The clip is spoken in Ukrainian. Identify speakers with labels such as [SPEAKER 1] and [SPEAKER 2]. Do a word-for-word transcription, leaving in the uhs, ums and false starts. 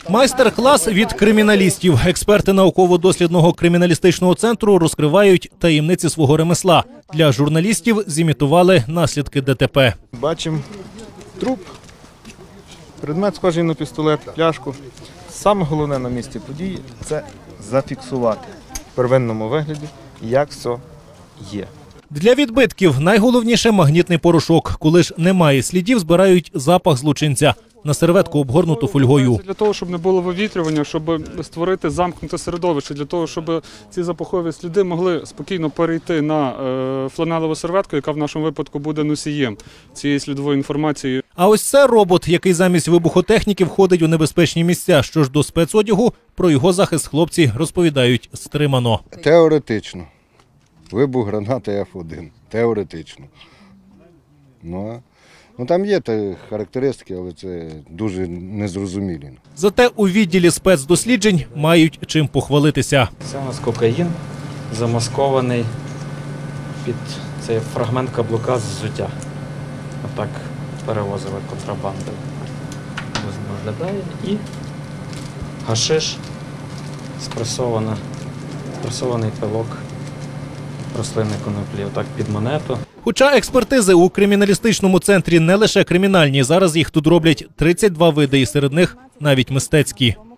[SPEAKER 1] Майстер-клас від криміналістів. Експерти науково-дослідного криміналістичного центру розкривають таємниці свого ремесла. Для журналістів зімітували наслідки ДТП.
[SPEAKER 2] Бачимо труп, предмет схожий на пістолет, пляшку. Саме головне на місці події – це зафіксувати в первинному вигляді, як все є.
[SPEAKER 1] Для відбитків найголовніше магнітний порошок. Коли ж немає слідів, збирають запах злочинця на серветку, обгорнуту фольгою.
[SPEAKER 3] Для того, щоб не було вивітрювання, щоб створити замкнуте середовище, для того, щоб ці запахові сліди могли спокійно перейти на е, фланелеву серветку, яка в нашому випадку буде носієм цієї слідової інформації.
[SPEAKER 1] А ось це робот, який замість вибухотехніки входить у небезпечні місця. Що ж до спецодягу, про його захист хлопці розповідають стримано.
[SPEAKER 4] Теоретично. Вибух гранати еф один. Теоретично. Ну, ну там є та характеристики, але це дуже незрозумілі.
[SPEAKER 1] Зате у відділі спецдосліджень мають чим похвалитися.
[SPEAKER 5] Це у нас кокаїн, замаскований під цей фрагмент каблука з взуття. Отак перевозили контрабанду. Виглядає. І гашиш, спресована, спресований пилок рослинної коноплі, отак під монету.
[SPEAKER 1] Хоча експертизи у криміналістичному центрі не лише кримінальні, зараз їх тут роблять тридцять два види, і серед них навіть мистецькі.